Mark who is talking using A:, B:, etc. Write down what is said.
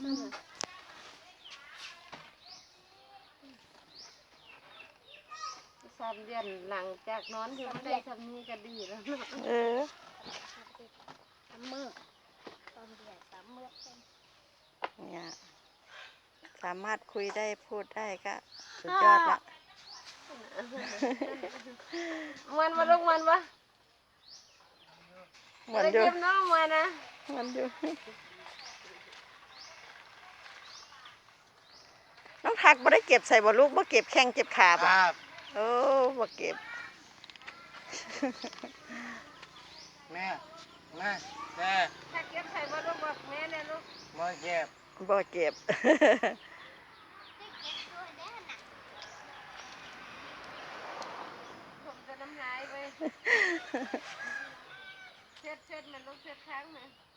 A: 3 เดือนหลังจากนอนคือไม่ได้ทำนี้ก็ดีแล้ว
B: 3 มื้อตอนเดือน3 มื้อ
C: เนี่ยสามารถคุยได้พูดได้ก็สุดยอดละ
A: มันมาลูกมันปะ
C: มันอยู่
A: เก็บน้องมานะ
C: มันอยู่น้องทักบ่ได้เก็บใส่บ่ลูกบ่เก็บแข้งเก็บขาบ่โอ้บ่เก็บ
D: แม่แม่
A: ถ้าเก็บใส่บ่ลูกบอกแม่เนี่ยลูก
D: มาเก็บ
C: บ่เก็บ
A: ผมจะน้ำลายไปเช็ดมันลูกเช็ดค้างมัน